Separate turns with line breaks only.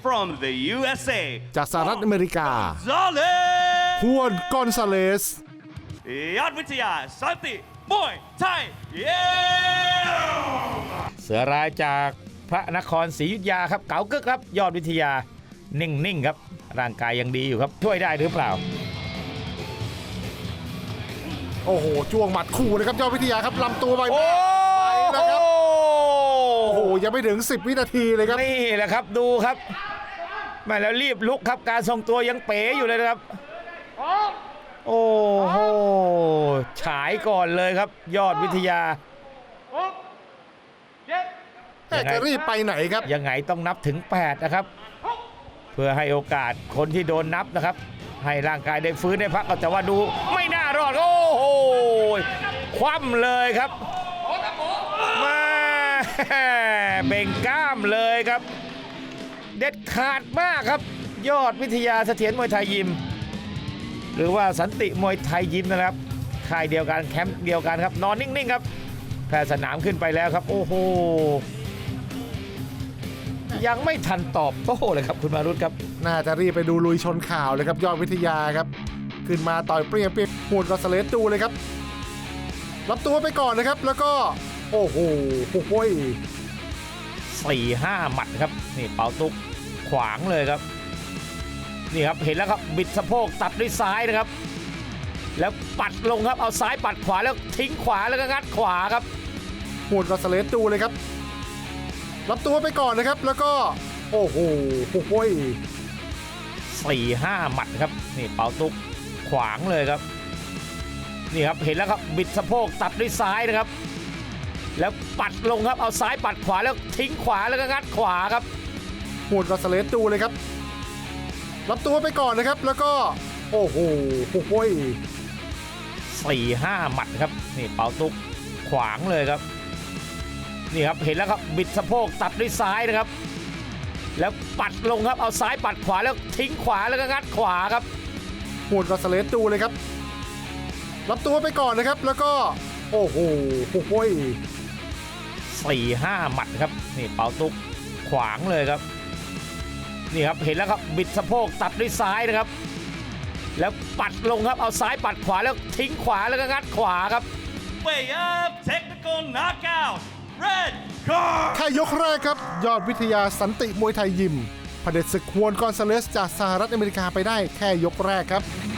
from the USA
จากสหรัฐอเมริกา
Gonzalez
ฮวนกอนซาเลส
ยอดวิทยาสันติมวยไทยเย้
เสือรายจากพระนครศรีอยุธยาครับเก๋ากึกครับยอดวิทยานิ่งๆครับร่างกายยังดีอยู่ครับช่วยได้หรือเปล่า
โอ้โหจ้วงหมัดคู่นะครับยอดวิทยาครับลำตัวไป
โอ้
นะครับโอ้โหยังไม่ถึง10 วินาทีเลยครับ
นี่แหละครับดูครับแม่แล้วรีบลุกครับการทรงตัวยังเป๋อยู่เลยนะครับโอ้โหฉายก่อนเลยครับยอดวิทยา
แต่จะรีบไปไหนครับ
ยังไงต้องนับถึง8นะครับเพื่อให้โอกาสคนที่โดนนับนะครับให้ร่างกายได้ฟื้นได้พักแต่ว่าดูไม่น่ารอดโอ้โหคว่ำเลยครับมาเบ่งกล้ามเลยครับเด็ดขาดมากครับยอดวิทยาเสถียรมวยไทยยิมหรือว่าสันติมวยไทยยิมนะครับค่ายเดียวกันแคมป์เดียวกันครับนอนนิ่งๆครับแพทย์สนามขึ้นไปแล้วครับโอ้โหยังไม่ทันตอบโต้เลยครับคุณมารุตครับ
น่าจะรีบไปดูลุยชนข่าวเลยครับยอดวิทยาครับขึ้นมาต่อยเปรี้ยงฮวนกอนซาเลสดูเลยครับรับตัวไปก่อนนะครับแล้วก็โอ้โห
4-5 หมัดครับนี่เปาตุกขวางเลยครับนี่ครับเห็นแล้วครับบิดสะโพกตัดด้วยซ้ายนะครับแล้วปัดลงครับเอาซ้ายปัดขวาแล้วทิ้งขวาแล้วก็งัดขวาครับ
ฮวนกอนซาเลสดูเลยครับรับตัวไปก่อนนะครับแล้วก็โอ้โห
4-5 หมัดครับนี่เปาตุกขวางเลยครับนี่ครับเห็นแล้วครับบิดสะโพกตัดด้วยซ้ายนะครับแล้วปัดลงครับเอาซ้ายปัดขวาแล้วทิ้งขวาแล้วก็งัดขวาครับ
ฮวนกอนซาเลสดูเลยครับรับตัวไปก่อนนะครับแล้วก็โอ้โห
4-5 หมัดครับนี่เปาตุกขวางเลยครับนี่ครับเห็นแล้วครับบิดสะโพกตัดด้วยซ้ายนะครับแล้วปัดลงครับเอาซ้ายปัดขวาแล้วทิ้งขวาแล้วก็งัดขวาครับ
ฮวนกอนซาเลสดูเลยครับรับตัวไปก่อนนะครับแล้วก็โอ้โห
4-5 หมัดครับนี่เปาตุกขวางเลยครับนี่ครับเห็นแล้วครับบิดสะโพกตัดด้วยซ้ายนะครับแล้วปัดลงครับเอาซ้ายปัดขวาแล้วทิ้งขวาแล้วก็งัดขวาครับ
Way up technical knockout red card
แค่ยกแรกครับยอดวิทยาสันติมวยไทยยิมเผด็จศึกฮวนกอนซาเลสจากสหรัฐอเมริกาไปได้แค่ยกแรกครับ